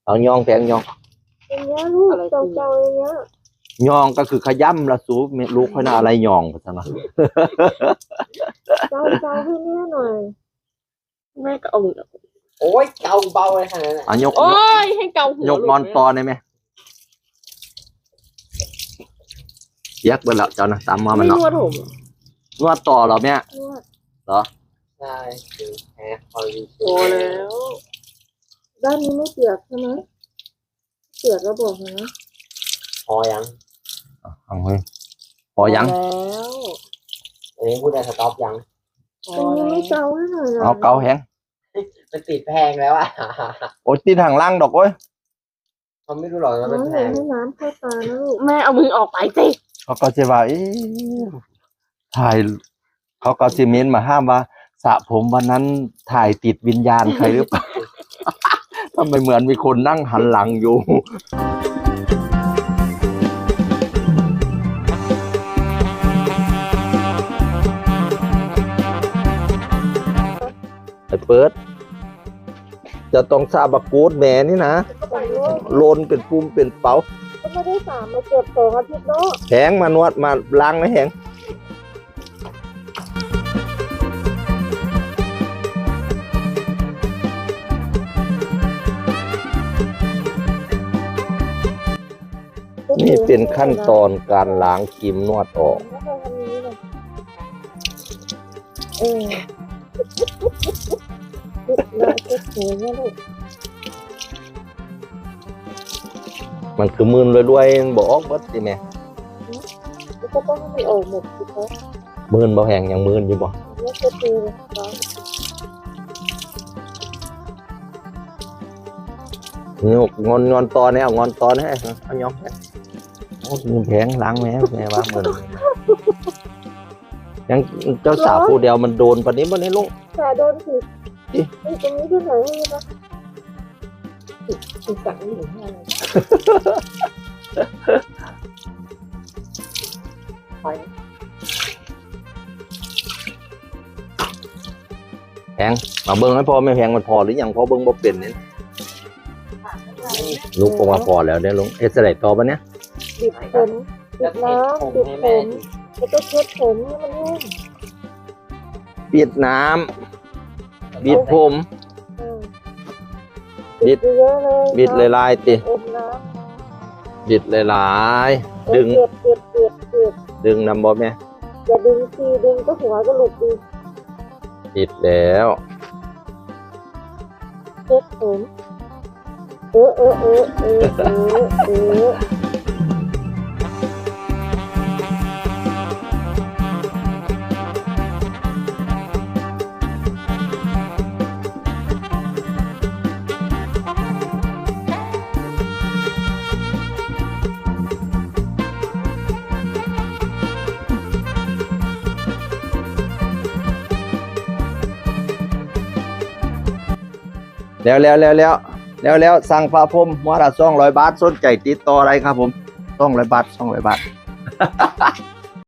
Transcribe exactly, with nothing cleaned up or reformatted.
เอายองแพงยองอย่างเงี้ยลูกเจ้าๆอย่างเงี้ยยองก็คือขย้ำละสูลูกค่อยน่าอะไรยองไปซะนะเจ้าเจ้าให้แม่หน่อยแม่ก็เอามือโอ้ยเกาเบาเลยขนาดนั้นอ่ะยกโอ้ยให้เกาหัวยกงอนตอได้ไหมยักไปแล้วเจ้านะตามมามันไม่เนาะนวดผมนวดต่อเหรอแม่นวดเหรอใช่คือแพ้คอยโอ้แล้วด้านนี้ไม่เปียกใช่ไหมเปียกก็บอกนะพอยังเอาเฮ้ยพอยังแล้วอันนี้พูดได้สต็อปยังพอตรงนี้แล้วไม่เจ้าให้หน่อยหรเอาเกาแหงมันติดแพงแล้วอ่ะโอ้ยตีทางล่างดอกโอ้ยเขาไม่รู้หรอกว่าน้มัอนงแพอย่างงให้น้ำเข้าตานะลูกแม่เอามือออกไปสิเขาก็จะว่าเอ๊ะถ่ายเขาก็จะเม้นมาห้ามว่าสระผมวันนั้นถ่ายติดวิญญาณใครหรือเปล่า ทำไมเหมือนมีคนนั่งหันหลังอยู่ไอ้เปิด จะต้องซาบะกูดแม่นี่นะก็ไปลูกโลนเป็นปุ่มเป็นเป๋าก็ไม่ได้สามมาเกือบสองอาทิตย์เนาะแหงมานวดมาล้างนะแหงนี่เป็นขั้นตอนการล้างครีมนวดออกแล้วเราทำนี้เลยเออลูกเราเช็ดหูเนี่ยลูกมันคือมืนรวยๆบอกเบิดสิแม่แล้วก็ต้องให้มันออกหมดสิคะมืนบ่แหงยังมืนอยู่บ่แล้วเช็ดมือเลยเนาะนี่งอนงอนตอนนี้เอางอนตอนให้เอายอมให้โอ้ยมือแพงล้างแม่แม่ว่ามืนยังเจ้าสาวผู้เดียวมันโดนปานนี้บ่นี้ลุงแต่โดนผิดนี่ตรงนี้ด้วยหน่อยให้นะผิดสั่งหรืออะไรแพงมาเบิ่งให้พอไม่แพงมันพอหรือยังพอเบิ่งบ่เป็นนี่ลูกก็มาพอแล้วเด้ลุงเอ็ดสไลด์ต่อปะเนี่ยบิดผมบิดน้ำบิดผมแล้วก็เช็ดผมให้มันแห้งปิดน้ำบิดผมเออบิดเยอะเลยบิดหลายๆติอมน้บิดหลายำๆดึงเปียกเปียกเปียกเปียกดึงนำบ่แม่อย่าดึงทีดึงก็หัวก็หลุดดีปิดแล้วเช็ดผมเออเออเออเออเออเออแล้วแล้วแล้วแล้วแล้วแล้วสั่งฟ้าพรมหัวละสองร้อยบาทสนใจติดต่ออะไรครับผมสองร้อยบาทสองร้อยบาท